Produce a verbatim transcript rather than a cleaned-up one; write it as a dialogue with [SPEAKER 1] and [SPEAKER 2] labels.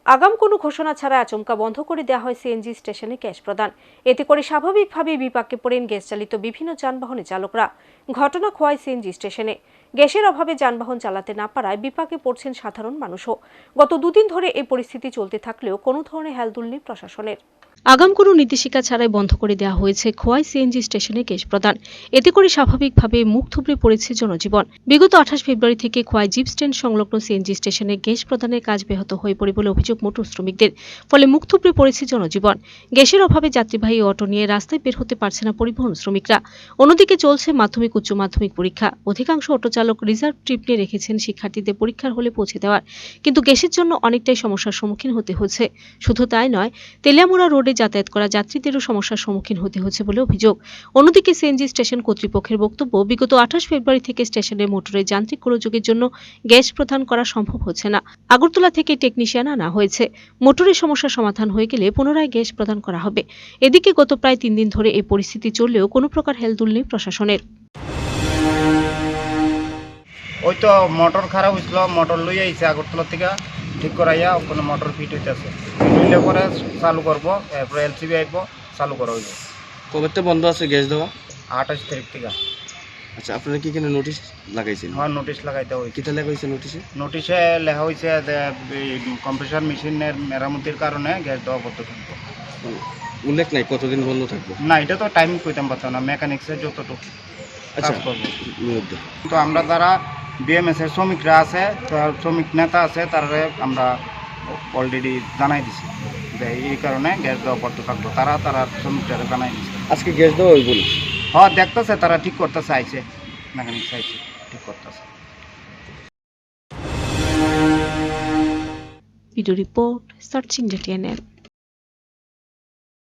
[SPEAKER 1] আগাম কোনো ঘোষণা ছাড়া আচমকা বন্ধ করে দেওয়া হয় সিএনজি স্টেশনে গ্যাস প্রদান। এতে করে স্বাভাবিকভাবেই বিপাকে পড়েন গ্যাস চালিত বিভিন্ন যানবাহনের চালকরা। ঘটনা খোয়াই সিএনজি স্টেশনে গ্যাসের অভাবে যানবাহন চালাতে না পারায় বিপাকে পড়ছেন সাধারণ মানুষও। গত দুদিন ধরে এই পরিস্থিতি চলতে থাকলেও কোনো ধরনের হেলদোল নেই প্রশাসনের। আগাম কোনো নির্দেশিকা ছাড়াই বন্ধ করে দেওয়া হয়েছে খোয়াই সিএনজি স্টেশনে গ্যাস প্রদান। এতে করে স্বাভাবিকভাবে মুখ থুবড়ে পড়েছে জনজীবন। বিগত আঠাশ ফেব্রুয়ারি থেকে খোয়াই জিপ স্ট্যান্ড সংলগ্ন সিএনজি স্টেশনে গ্যাস প্রদানের কাজ ব্যাহত হয়ে পড়ে বলে অভিযোগ মোটর শ্রমিকদের। ফলে মুখ থুবড়ে পড়েছে জনজীবন। গ্যাসের অভাবে যাত্রীবাহী অটো নিয়ে রাস্তায় বের হতে পারছে না পরিবহন শ্রমিকরা। অন্যদিকে চলছে মাধ্যমিক উচ্চ মাধ্যমিক পরীক্ষা। অধিকাংশ অটো চালক রিজার্ভ ট্রিপ নিয়ে রেখেছেন শিক্ষার্থীদের পরীক্ষার হলে পৌঁছে দেওয়ার, কিন্তু গ্যাসের জন্য অনেকটাই সমস্যার সম্মুখীন হতে হচ্ছে। শুধু তাই নয়, তেলিয়ামুড়া রোডে যাতায়াত করা যাত্রীদেরও সমস্যার সম্মুখীন হতে হচ্ছে বলে অভিযোগ। অন্যদিকে সিএনজি স্টেশন কর্তৃপক্ষের বক্তব্য, বিগত আঠাশ ফেব্রুয়ারি থেকে স্টেশনের মোটরের যান্ত্রিক গোলযোগের জন্য গ্যাস প্রদান করা সম্ভব হচ্ছে না। আগরতলা থেকে টেকনিশিয়ান আনা হয়েছে। মোটরের সমস্যা সমাধান হয়ে গেলে পুনরায় গ্যাস প্রদান করা হবে। এদিকে গত প্রায় তিন দিন ধরে এই পরিস্থিতি চললেও কোনো প্রকার হেলদোল নেই প্রশাসনের।
[SPEAKER 2] ওই তো মোটর খারাপ হয়েছিল, মোটর লই আইছে আগরতলা থেকে ঠিক করাইয়া ওখানে মোটর ফিট হইতেছে। ফিট পরে চালু করবো, এরপরে এলসিবি আইব, চালু করা হইব।
[SPEAKER 3] কবে থেকে বন্ধ আছে গ্যাস দেওয়া?
[SPEAKER 2] আঠাশ তারিখ থেকে।
[SPEAKER 3] আচ্ছা, আপনারা কি এখানে নোটিশ লাগাইছেন?
[SPEAKER 2] হ্যাঁ, নোটিশ লাগাইতে হয়েছে।
[SPEAKER 3] কিটা লাগাইছে নোটিশে?
[SPEAKER 2] নোটিশে লেখা হয়েছে যে কম্প্রেসার মেশিনের মেরামতির কারণে গ্যাস দেওয়া বন্ধ থাকবে।
[SPEAKER 3] উল্লেখ নাই কতদিন বন্ধ থাকবে?
[SPEAKER 2] না, এটা তো টাইম কইতাম পারতাম না, মেকানিক্সের যতটুকু
[SPEAKER 3] আচ্ছা
[SPEAKER 2] কাজ করবো।
[SPEAKER 3] মধ্যে
[SPEAKER 2] তো আমরা যারা বিএমএস এর শ্রমিকরা আছে, শ্রমিক নেতা আছে, তারা আমরা অলরেডি জানাই দিছি যে এই কারণে গ্যাস দেওয়া বন্ধ থাকবো। তারা তারা শ্রমিকরা জানাই দিচ্ছে।
[SPEAKER 3] আজকে গ্যাস দেওয়া হইব?
[SPEAKER 2] হ্যাঁ, দেখতেছে, তারা ঠিক করতেছে, আইছে মেকানিক্স আইছে, ঠিক করতেছে।
[SPEAKER 1] Video report searching জেটিএনএন।